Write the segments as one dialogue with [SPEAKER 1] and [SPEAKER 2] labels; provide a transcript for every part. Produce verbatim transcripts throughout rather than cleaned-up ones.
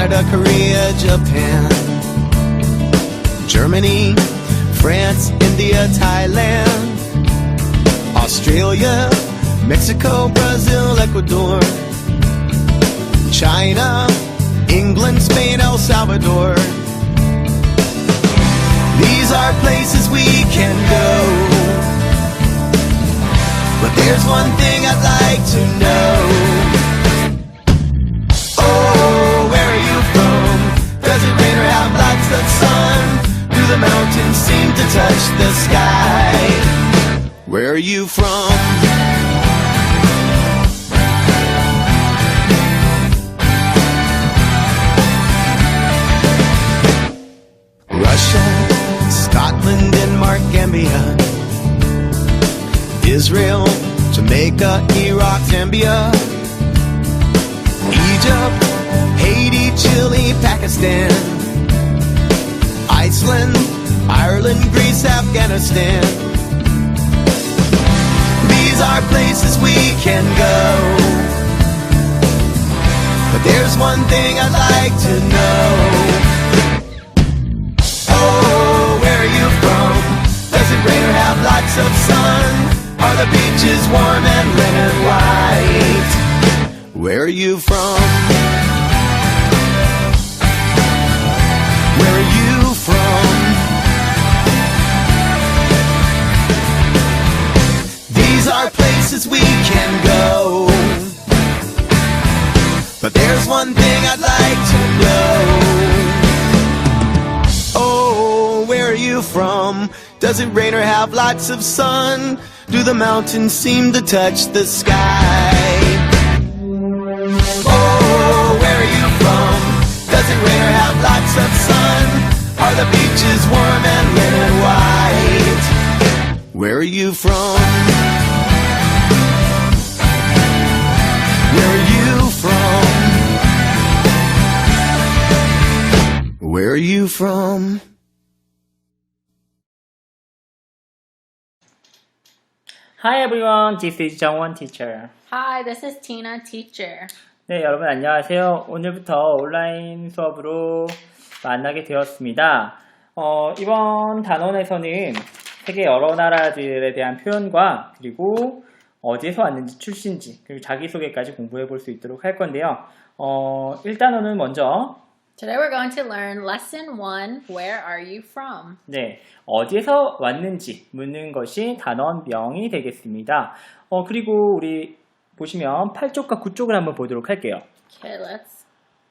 [SPEAKER 1] Canada, Korea, Japan, Germany, France, India, Thailand, Australia, Mexico, Brazil, Ecuador, China, England, Spain, El Salvador. These are places we can go, but there's one thing I'd like to know. Oh, where are you from? Does it rain or have lots of sun? Do the mountains seem to touch the sky? Where are you from? Russia, Scotland, Denmark, Gambia, Israel, Jamaica, Iraq, Zambia, Egypt, Haiti, Chile, Pakistan, Iceland, Ireland, Greece, Afghanistan. These are places we can go, but there's one thing I'd like to know. Oh, where are you from? Does it rain or have lots of sun? Are the beaches warm and red and white? Where are you from? Where are you from? These are places we can go, but there's one thing I'd like to know. Oh, where are you from? Does it rain or have lots of sun? Do the mountains seem to touch the sky? Oh, where are you from? Does it rain or have lots of sun? Are the beaches warm and red and white? Where are you from? Where are you from? Where are you from?
[SPEAKER 2] Hi everyone, this is Jungwon teacher.
[SPEAKER 3] Hi, this is Tina, teacher.
[SPEAKER 2] 네, 여러분 안녕하세요. 오늘부터 온라인 수업으로 만나게 되었습니다. 어, 이번 단원에서는 세계 여러 나라들에 대한 표현과 그리고 어디에서 왔는지 출신지 그리고 자기소개까지 공부해 볼 수 있도록 할 건데요. 어, 일 단원은 먼저
[SPEAKER 3] Today we're going to learn lesson one, where are you from?
[SPEAKER 2] 네, 어디에서 왔는지 묻는 것이 단원명이 되겠습니다. 어, 그리고 우리 보시면 팔 쪽과 구 쪽을 한번 보도록 할게요.
[SPEAKER 3] Okay, let's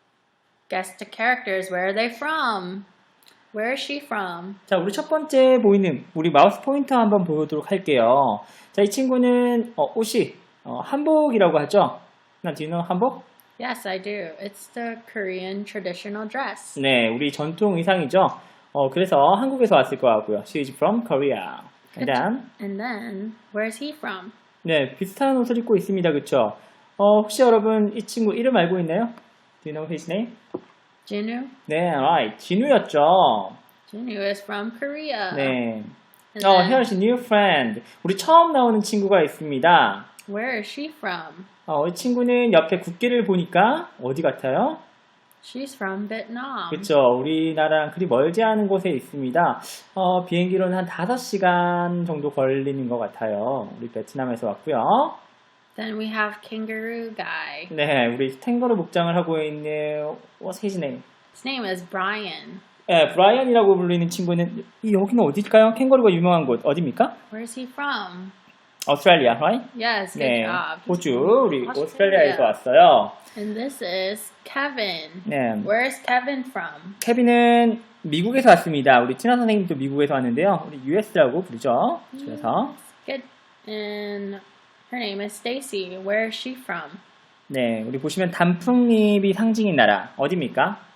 [SPEAKER 3] guess the characters. Where are they from? Where is she from?
[SPEAKER 2] 자, 우리 첫 번째 보이는 우리 마우스 포인터 한번 보도록 할게요. 자, 이 친구는 어, 옷이 어, 한복이라고 하죠. 나 do you know 한복?
[SPEAKER 3] Yes, I do. It's the Korean traditional dress.
[SPEAKER 2] 네, 우리 전통 의상이죠. 어, 그래서 한국에서 왔을 것 같고요. She is from Korea. And then,
[SPEAKER 3] And then, where's he from?
[SPEAKER 2] 네, 비슷한 옷을 입고 있습니다. 그쵸? 어, 혹시 여러분 이 친구 이름 알고 있나요? Do you know his name?
[SPEAKER 3] Jinu?
[SPEAKER 2] 네, right. 진우였죠.
[SPEAKER 3] Jinu is from Korea.
[SPEAKER 2] 네.
[SPEAKER 3] And
[SPEAKER 2] 어,
[SPEAKER 3] then,
[SPEAKER 2] here's a new friend. 우리 처음 나오는 친구가 있습니다.
[SPEAKER 3] where is she from?
[SPEAKER 2] 어, 이 친구는 옆에 국기를 보니까 어디 같아요?
[SPEAKER 3] She's from Vietnam.
[SPEAKER 2] 그쵸. 우리나라랑 그리 멀지 않은 곳에 있습니다. 어, 비행기로는 한 다섯 시간 정도 걸리는 것 같아요. 우리 베트남에서 왔고요.
[SPEAKER 3] Then we have Kangaroo Guy.
[SPEAKER 2] 네, 우리 탱거루 복장을 하고 있는 What's his name?
[SPEAKER 3] His name is Brian.
[SPEAKER 2] 네, 브라이언이라고 불리는 친구는 이 여기는 어딜까요? 캥거루가 유명한 곳 어디입니까?
[SPEAKER 3] Where's he from?
[SPEAKER 2] 오스트레일리아, right?
[SPEAKER 3] Yes, good
[SPEAKER 2] 네,
[SPEAKER 3] job.
[SPEAKER 2] 호주, 우리
[SPEAKER 3] Australia.
[SPEAKER 2] 오스트레일리아에서 왔어요.
[SPEAKER 3] And this is Kevin.
[SPEAKER 2] 네,
[SPEAKER 3] Where's Kevin from?
[SPEAKER 2] 케빈은 미국에서 왔습니다. 우리 친한 선생님도 미국에서 왔는데요. 우리 유에스라고 부르죠. 그래서
[SPEAKER 3] Good. And her name is Stacy. Where is she from?
[SPEAKER 2] 네, 우리 보시면 단풍잎이 상징인 나라 어디입니까?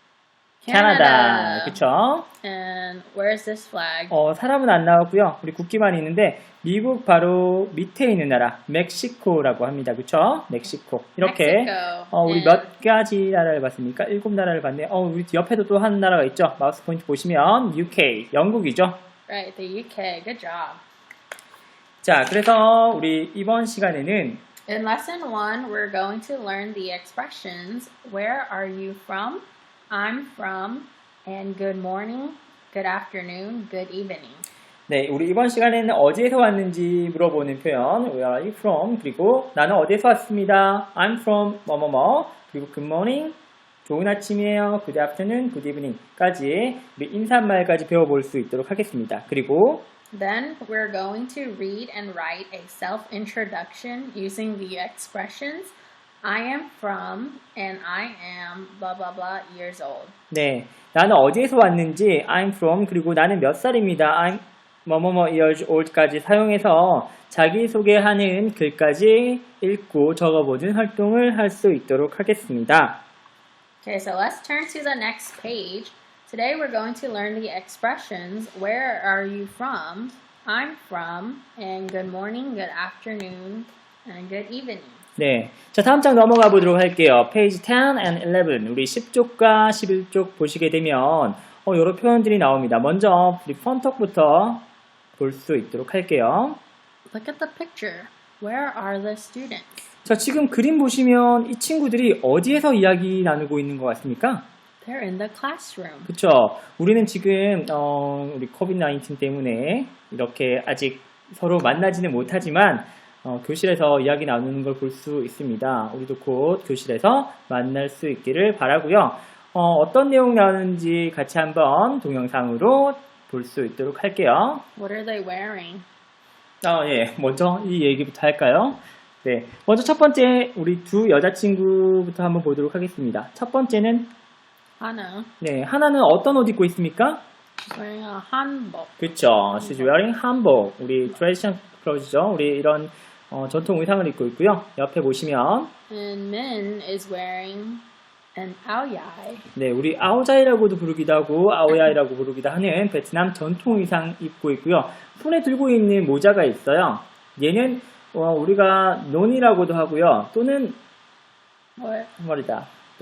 [SPEAKER 2] 캐나다, 그쵸?
[SPEAKER 3] And where's this flag?
[SPEAKER 2] 어, 사람은 안 나왔고요. 우리 국기만 있는데 미국 바로 밑에 있는 나라 멕시코라고 합니다. 그쵸? 멕시코. 이렇게
[SPEAKER 3] Mexico.
[SPEAKER 2] 어, 우리
[SPEAKER 3] And
[SPEAKER 2] 몇 가지 나라를 봤습니까? 일곱 나라를 봤네요. 어, 우리 옆에도 또 한 나라가 있죠. 마우스 포인트 보시면 유케이, 영국이죠.
[SPEAKER 3] right, the U K. Good job.
[SPEAKER 2] 자, 그래서 우리 이번 시간에는
[SPEAKER 3] In lesson one, we're going to learn the expressions where are you from, I'm from, and good morning, good afternoon, good evening.
[SPEAKER 2] 네, 우리 이번 시간에는 어디에서 왔는지 물어보는 표현 Where are you from? 그리고 나는 어디에서 왔습니다. I'm from 뭐뭐뭐 그리고 good morning, 좋은 아침이에요. good afternoon, good evening 까지 우리 인사말까지 배워볼 수 있도록 하겠습니다. 그리고
[SPEAKER 3] Then we're going to read and write a self-introduction using the expressions I am from and I am blah blah blah years old.
[SPEAKER 2] 네, 나는 어디에서 왔는지 I'm from 그리고 나는 몇 살입니다. I'm 뭐뭐뭐 years old까지 사용해서 자기소개하는 글까지 읽고 적어보는 활동을 할 수 있도록 하겠습니다.
[SPEAKER 3] Okay, so let's turn to the next page. Today we're going to learn the expressions where are you from, I'm from, and good morning, good afternoon, and good evening.
[SPEAKER 2] 네, 자 다음 장 넘어가 보도록 할게요. 페이지 ten and eleven 우리 십 쪽과 십일 쪽 보시게 되면 어, 여러 표현들이 나옵니다. 먼저 우리 펀톡부터 볼 수 있도록 할게요.
[SPEAKER 3] Look at the picture. Where are the students?
[SPEAKER 2] 자 지금 그림 보시면 이 친구들이 어디에서 이야기 나누고 있는 것 같습니까?
[SPEAKER 3] They're in the classroom.
[SPEAKER 2] 그쵸. 우리는 지금 어, 우리 코비드 나인틴 때문에 이렇게 아직 서로 만나지는 못하지만 어, 교실에서 이야기 나누는 걸 볼 수 있습니다. 우리도 곧 교실에서 만날 수 있기를 바라고요. 어, 어떤 내용 나오는지 같이 한번 동영상으로 볼 수 있도록 할게요.
[SPEAKER 3] What are they wearing?
[SPEAKER 2] 아, 예. 먼저 이 얘기부터 할까요? 네. 먼저 첫 번째 우리 두 여자친구부터 한번 보도록 하겠습니다. 첫 번째는
[SPEAKER 3] Hana.
[SPEAKER 2] 네, 하나는 어떤 옷 입고 있습니까?
[SPEAKER 3] She's wearing a hanbok.
[SPEAKER 2] 그쵸. She's wearing hanbok. 우리 traditional clothes죠. 우리 이런 어, 전통 의상을 입고 있고요. 옆에 보시면
[SPEAKER 3] And Min is wearing an aoyai.
[SPEAKER 2] 네, 우리 아오자이라고도 부르기도 하고 아오야이라고 부르기도 하는 베트남 전통 의상 입고 있고요. 손에 들고 있는 모자가 있어요. 얘는 어, 우리가 논이라고도 하고요. 또는
[SPEAKER 3] What?
[SPEAKER 2] 머리다.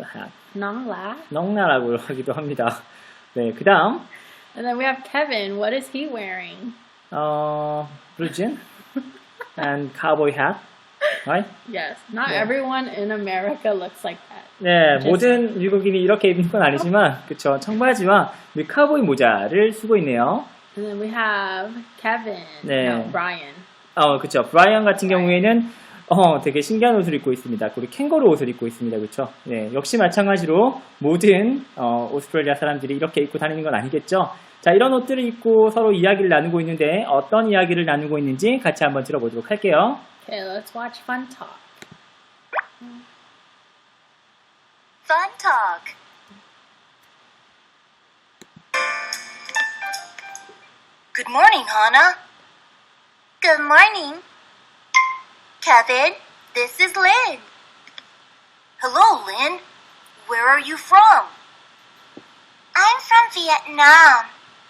[SPEAKER 3] Nong la.
[SPEAKER 2] 넉나라고 하기도 합니다. 네, 그 다음
[SPEAKER 3] And then we have Kevin. What is he wearing?
[SPEAKER 2] 어, blue jean and cowboy hat. Right?
[SPEAKER 3] Yes. Not
[SPEAKER 2] Yeah.
[SPEAKER 3] everyone in America looks like that.
[SPEAKER 2] 네,
[SPEAKER 3] Just-
[SPEAKER 2] 모든 미국인이 이렇게 입는 건 아니지만, 그쵸. 청바지와 우리 카우보이 모자를 쓰고 있네요.
[SPEAKER 3] And then we have Kevin.
[SPEAKER 2] 네.
[SPEAKER 3] No, Brian.
[SPEAKER 2] 어, 그쵸. 브라이언 같은 경우에는, 어, 되게 신기한 옷을 입고 있습니다. 우리 캥거루 옷을 입고 있습니다. 그쵸. 네, 역시 마찬가지로 모든, 어, 오스트레일리아 사람들이 이렇게 입고 다니는 건 아니겠죠. 자, 이런 옷들을 입고 서로 이야기를 나누고 있는데, 어떤 이야기를 나누고 있는지 같이 한번 들어보도록 할게요.
[SPEAKER 3] Okay, let's watch Fun Talk.
[SPEAKER 4] Fun Talk. Good morning, Hannah. Good morning. Kevin, this is Lynn. Hello, Lynn. Where are you from? I'm from Vietnam.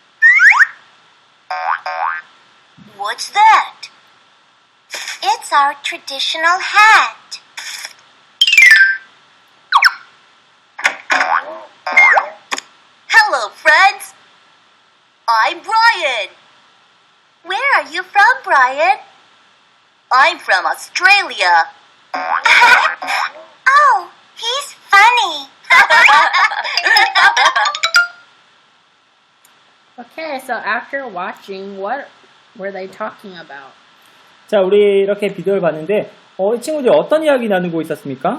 [SPEAKER 4] What's that? It's our traditional hat. Hello, friends. I'm Brian. Where are you from, Brian? I'm from Australia. Oh, he's funny.
[SPEAKER 3] Okay, so after watching, what were they talking about?
[SPEAKER 2] 자, 우리 이렇게 비디오를 봤는데, 어, 이 친구들이 어떤 이야기 나누고 있었습니까?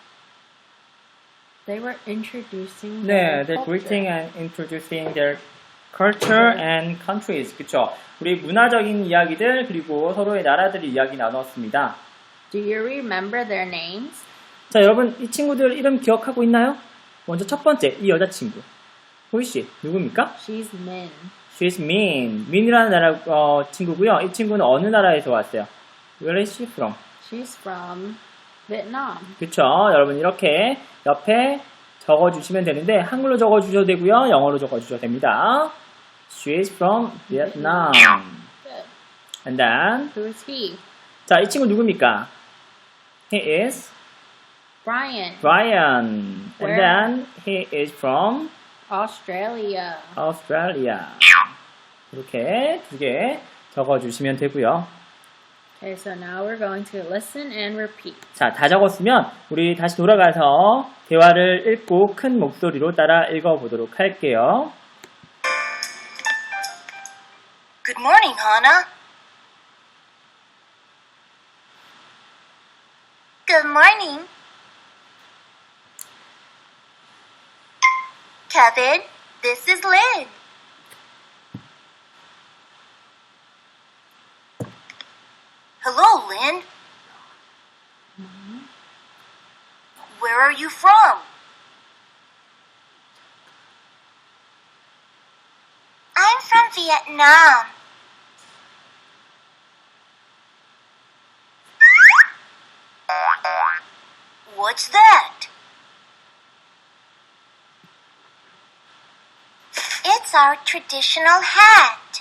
[SPEAKER 3] They were introducing
[SPEAKER 2] 네,
[SPEAKER 3] their
[SPEAKER 2] they're
[SPEAKER 3] culture.
[SPEAKER 2] greeting and introducing their culture and countries. 그쵸? 우리 문화적인 이야기들, 그리고 서로의 나라들의 이야기 나눴습니다.
[SPEAKER 3] Do you remember their names?
[SPEAKER 2] 자, 여러분, 이 친구들 이름 기억하고 있나요? 먼저 첫 번째, 이 여자친구. 호이씨, 누굽니까?
[SPEAKER 3] She's Min.
[SPEAKER 2] She's Min. 민이라는 나라, 어, 친구고요. 이 친구는 어느 나라에서 왔어요? Where is she from?
[SPEAKER 3] She's from Vietnam.
[SPEAKER 2] 그쵸? 여러분, 이렇게 옆에 적어주시면 되는데, 한글로 적어주셔도 되고요. 영어로 적어주셔도 됩니다. She is from Vietnam.
[SPEAKER 3] Good.
[SPEAKER 2] And then,
[SPEAKER 3] Who is he?
[SPEAKER 2] 자, 이 친구 누굽니까? He is
[SPEAKER 3] Brian.
[SPEAKER 2] Brian. And
[SPEAKER 3] Where?
[SPEAKER 2] then, he is from
[SPEAKER 3] Australia.
[SPEAKER 2] Australia. 이렇게 두 개 적어주시면 되고요.
[SPEAKER 3] Okay, so now we're going to listen and repeat.
[SPEAKER 2] 자, 다 적었으면 우리 다시 돌아가서 대화를 읽고 큰 목소리로 따라 읽어보도록 할게요.
[SPEAKER 4] Good morning, Hannah. Good morning. Kevin, this is Lynn. Hello, Lynn. Where are you from? I'm from Vietnam. What's that? It's our traditional hat.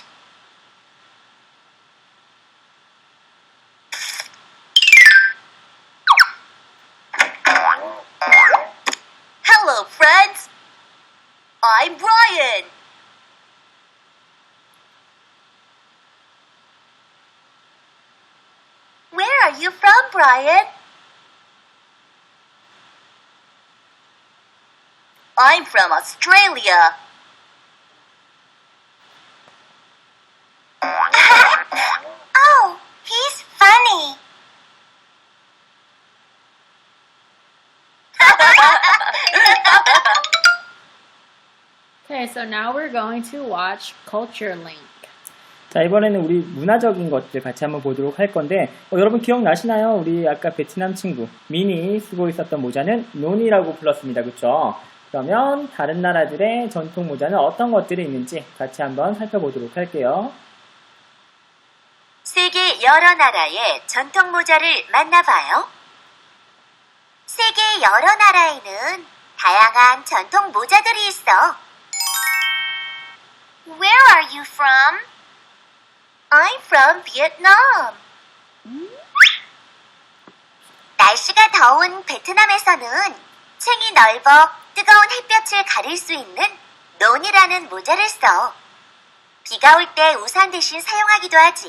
[SPEAKER 4] Hello, friends. I'm Brian. Where are you from, Brian? I'm from Australia. Oh, he's funny.
[SPEAKER 3] Okay, so now we're going to watch Culture Link.
[SPEAKER 2] 자, 이번에는 우리 문화적인 것들 같이 한번 보도록 할 건데, 어, 여러분 기억나시나요? 우리 아까 베트남 친구, 민이 쓰고 있었던 모자는 논이라고 불렀습니다. 그쵸? 그러면 다른 나라들의 전통 모자는 어떤 것들이 있는지 같이 한번 살펴보도록 할게요.
[SPEAKER 4] 세계 여러 나라의 전통 모자를 만나봐요. 세계 여러 나라에는 다양한 전통 모자들이 있어. Where are you from? I'm from Vietnam. 날씨가 더운 베트남에서는 챙이 넓어 뜨거운 햇볕을 가릴 수 있는 논이라는 모자를 써. 비가 올 때 우산 대신 사용하기도 하지.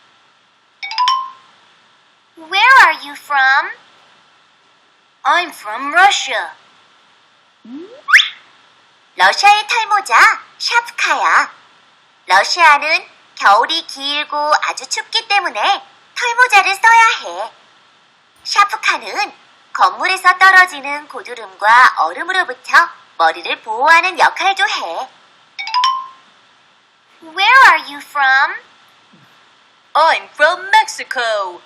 [SPEAKER 4] Where are you from? I'm from Russia. 러시아의 털모자 샤프카야. 러시아는 겨울이 길고 아주 춥기 때문에 털모자를 써야 해. 샤프카는 건물에서 떨어지는 고드름과 얼음으로부터 머리를 보호하는 역할도 해. Where are you from? I'm from Mexico.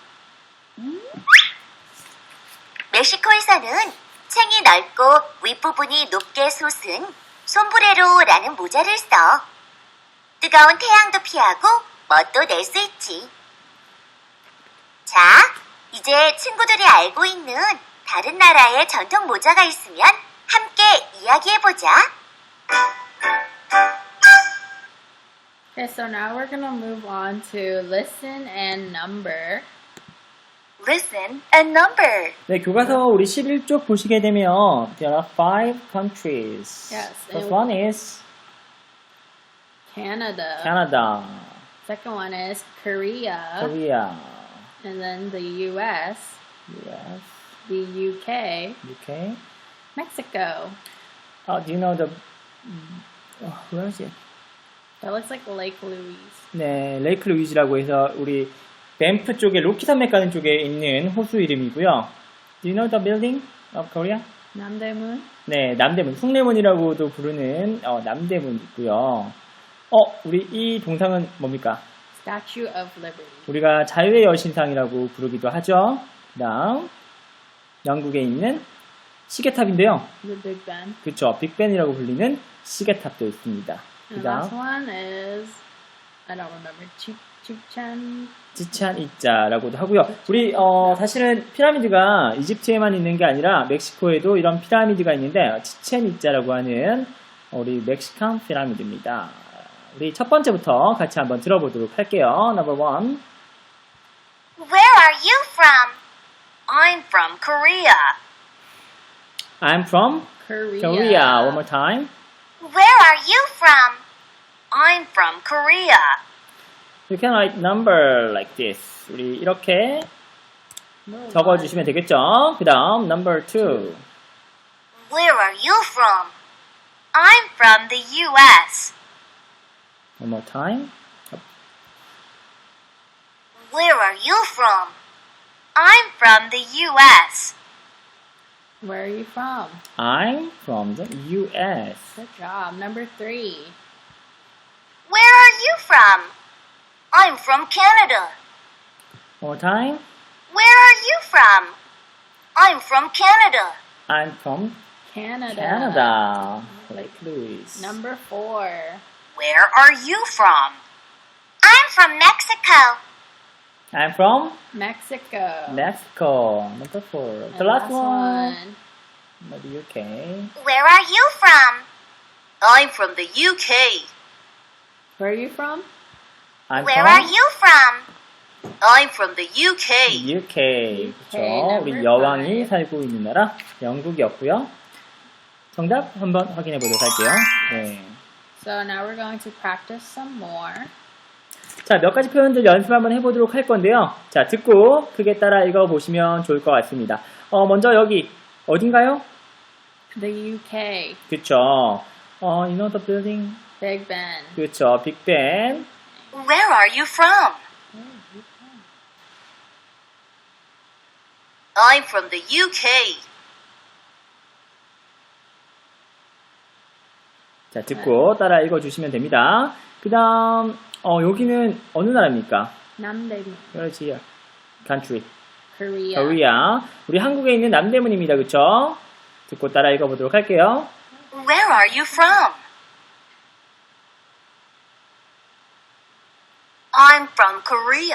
[SPEAKER 4] 멕시코에서는 챙이 넓고 윗부분이 높게 솟은 솜브레로라는 모자를 써. 뜨거운 태양도 피하고 멋도 낼 수 있지. 자, 이제 친구들이 알고 있는 다른 나라의 전통 모자가 있으면 함께 이야기해보자.
[SPEAKER 3] Okay, so now we're gonna move on to listen and number.
[SPEAKER 4] Listen and number.
[SPEAKER 2] 네, 교과서 우리 십일 쪽 보시게 되면 there are five countries.
[SPEAKER 3] Yes,
[SPEAKER 2] First
[SPEAKER 3] and-
[SPEAKER 2] one is
[SPEAKER 3] Canada.
[SPEAKER 2] Canada,
[SPEAKER 3] Second one is Korea.
[SPEAKER 2] Korea,
[SPEAKER 3] And then the U S,
[SPEAKER 2] U S,
[SPEAKER 3] the U K,
[SPEAKER 2] U K.
[SPEAKER 3] Mexico.
[SPEAKER 2] Uh, do you know the oh, where is it?
[SPEAKER 3] That looks like Lake Louise.
[SPEAKER 2] 네, 레이크 루이즈라고 해서 우리 밴프 쪽에 로키 산맥 가는 쪽에 있는 호수 이름이고요. Do you know the building of Korea?
[SPEAKER 3] Namdaemun.
[SPEAKER 2] 네, 남대문, 숭례문이라고도 부르는 어, 남대문 있고요. 어, 우리 이 동상은 뭡니까?
[SPEAKER 3] Statue of Liberty.
[SPEAKER 2] 우리가 자유의 여신상이라고 부르기도 하죠. 그다음 영국에 있는 시계탑인데요.
[SPEAKER 3] The Big Ben.
[SPEAKER 2] 그렇죠. 빅벤이라고 불리는 시계탑도 있습니다.
[SPEAKER 3] And the last
[SPEAKER 2] 그다음
[SPEAKER 3] one is, I don't remember, Chichen. Chichen.
[SPEAKER 2] 치찬 이자라고도 하고요. 우리 어, 사실은 피라미드가 이집트에만 있는 게 아니라 멕시코에도 이런 피라미드가 있는데 치첸 이자라고 하는 우리 멕시칸 피라미드입니다. 우리 첫 번째부터 같이 한번 들어보도록 할게요. Number one.
[SPEAKER 4] Where are you from? I'm from Korea.
[SPEAKER 2] I'm from
[SPEAKER 3] Korea.
[SPEAKER 2] Korea. One more time.
[SPEAKER 4] Where are you from? I'm from Korea.
[SPEAKER 2] You can write number like this. 우리 이렇게 적어주시면 되겠죠? 그 다음 number two.
[SPEAKER 4] Where are you from? I'm from the U S.
[SPEAKER 2] One more time.
[SPEAKER 4] Where are you from? I'm from the U S.
[SPEAKER 3] Where are you from?
[SPEAKER 2] I'm from the U S.
[SPEAKER 3] Good job. Number three.
[SPEAKER 4] Where are you from? I'm from Canada.
[SPEAKER 2] One more time.
[SPEAKER 4] Where are you from? I'm from Canada.
[SPEAKER 2] I'm from
[SPEAKER 3] Canada.
[SPEAKER 2] Canada. Lake Louise.
[SPEAKER 3] Number four.
[SPEAKER 4] Where are you from? I'm from Mexico.
[SPEAKER 2] I'm from
[SPEAKER 3] Mexico.
[SPEAKER 2] Mexico. Number four.
[SPEAKER 3] And
[SPEAKER 2] The last,
[SPEAKER 3] last
[SPEAKER 2] one.
[SPEAKER 3] one.
[SPEAKER 2] The U K.
[SPEAKER 4] Where are you from? I'm from the U K.
[SPEAKER 3] Where are you from?
[SPEAKER 2] I'm
[SPEAKER 4] Where
[SPEAKER 2] from
[SPEAKER 4] are you from? I'm from the U K.
[SPEAKER 2] U K. 그렇죠.
[SPEAKER 3] number
[SPEAKER 2] 우리 여왕이
[SPEAKER 3] five.
[SPEAKER 2] 살고 있는 나라 영국이었고요. 정답 한번 확인해 보도록 할게요. 네.
[SPEAKER 3] So now we're going to practice some more.
[SPEAKER 2] 자, 몇 가지 표현들 연습 한번 해보도록 할 건데요. 자, 듣고 크게 따라 읽어보시면 좋을 것 같습니다. 어, 먼저 여기 어딘가요?
[SPEAKER 3] The U K.
[SPEAKER 2] 그쵸. 어, you know the building?
[SPEAKER 3] Big Ben.
[SPEAKER 2] 그쵸. 빅벤.
[SPEAKER 4] Where are you from? I'm from the U K.
[SPEAKER 2] 자, 듣고 따라 읽어주시면 됩니다. 그 다음, 어, 여기는 어느 나라입니까?
[SPEAKER 3] 남대문.
[SPEAKER 2] Where's here? Country.
[SPEAKER 3] Korea.
[SPEAKER 2] Korea. 우리 한국에 있는 남대문입니다. 그쵸? 듣고 따라 읽어보도록 할게요.
[SPEAKER 4] Where are you from? I'm from Korea.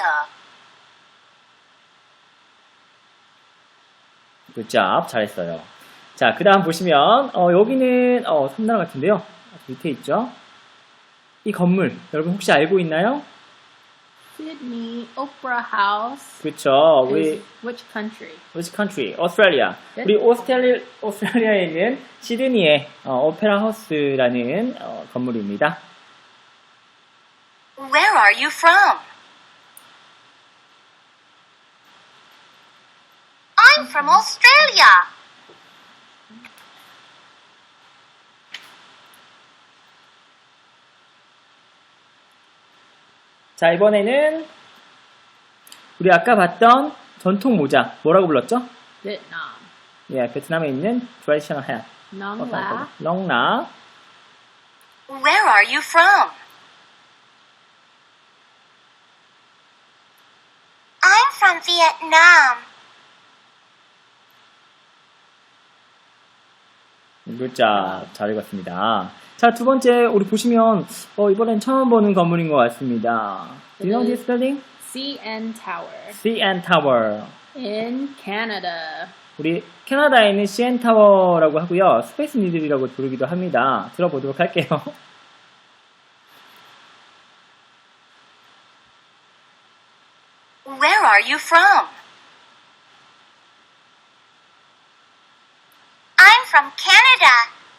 [SPEAKER 2] 굿잡. 잘했어요. 자, 그 다음 보시면, 어, 여기는, 어, 섬나라 같은데요. 밑에 있죠? 이 건물, 여러분 혹시 알고 있나요?
[SPEAKER 3] Sydney Opera House.
[SPEAKER 2] 그쵸. 우리,
[SPEAKER 3] Is which country?
[SPEAKER 2] which country? Australia.
[SPEAKER 3] 네.
[SPEAKER 2] 우리 오스트레리, 오스트레일리아에 있는 시드니의 어, 오페라 하우스라는 어, 건물입니다.
[SPEAKER 4] Where are you from? I'm from Australia.
[SPEAKER 2] 자, 이번에는 우리 아까 봤던 전통 모자, 뭐라고 불렀죠?
[SPEAKER 3] Vietnam.
[SPEAKER 2] 예, 베트남에 있는 traditional hat.
[SPEAKER 3] Nong La.
[SPEAKER 2] 롱나.
[SPEAKER 4] Where are you from? I'm from Vietnam.
[SPEAKER 2] 굿잡. 잘 읽었습니다. 자, 두 번째, 우리 보시면, 어, 이번엔 처음 보는 건물인 것 같습니다. Do you know this building?
[SPEAKER 3] C N Tower.
[SPEAKER 2] C N Tower.
[SPEAKER 3] In Canada.
[SPEAKER 2] 우리 캐나다에 있는 씨 엔 타워라고 하고요. 스페이스 니들이라고 부르기도 합니다. 들어보도록 할게요.
[SPEAKER 4] Where are you from? I'm from Canada.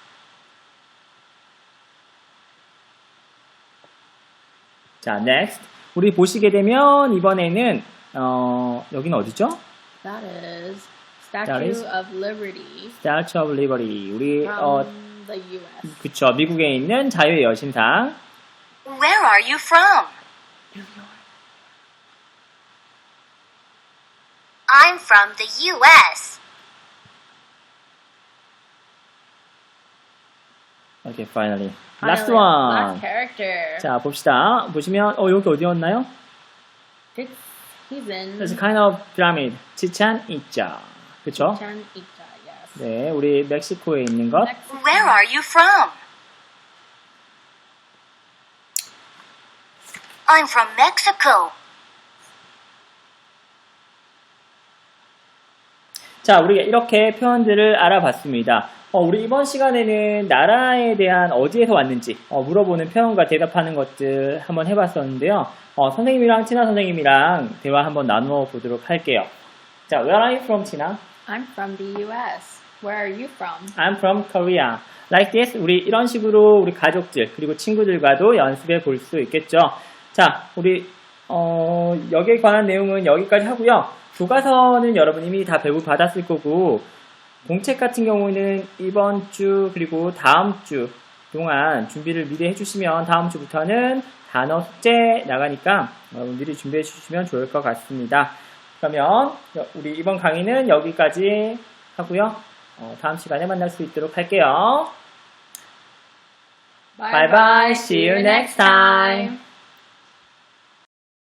[SPEAKER 2] 자, next. 우리 보시게 되면 이번에는 어, 여기는 어디죠?
[SPEAKER 3] That is Statue
[SPEAKER 2] That is-
[SPEAKER 3] of Liberty
[SPEAKER 2] Statue of Liberty. 우리
[SPEAKER 3] from
[SPEAKER 2] 어,
[SPEAKER 3] the U S.
[SPEAKER 2] 그쵸. 미국에 있는 자유의 여신상.
[SPEAKER 4] Where are you from? I'm from the U S.
[SPEAKER 2] Okay, finally. Last
[SPEAKER 3] Finally,
[SPEAKER 2] one.
[SPEAKER 3] Last character.
[SPEAKER 2] 자, 봅시다. 보시면 어, 여기 어디였나요?
[SPEAKER 3] It's, he's in
[SPEAKER 2] It's a kind of pyramid. 치찬 이자. 그쵸?
[SPEAKER 3] Chichen Itza, yes.
[SPEAKER 2] 네, 우리 멕시코에 있는 것.
[SPEAKER 3] Next,
[SPEAKER 4] Where are you from? I'm from Mexico.
[SPEAKER 2] 자, 우리가 이렇게 표현들을 알아봤습니다. 어, 우리 이번 시간에는 나라에 대한 어디에서 왔는지 어, 물어보는 표현과 대답하는 것들 한번 해봤었는데요. 어, 선생님이랑 티나 선생님이랑 대화 한번 나누어 보도록 할게요. 자, where are you from, 티나?
[SPEAKER 3] I'm from the U S. Where are you from?
[SPEAKER 2] I'm from Korea. Like this, 우리 이런 식으로 우리 가족들 그리고 친구들과도 연습해 볼 수 있겠죠. 자, 우리 어, 여기에 관한 내용은 여기까지 하고요. 교과서는 여러분 이미 다 배부 받았을 거고 공책 같은 경우는 이번 주 그리고 다음 주 동안 준비를 미리 해주시면 다음 주부터는 단어 숙제 나가니까 여러분 미리 준비해 주시면 좋을 것 같습니다. 그러면 우리 이번 강의는 여기까지 하고요. 어, 다음 시간에 만날 수 있도록 할게요. Bye bye. See you next time.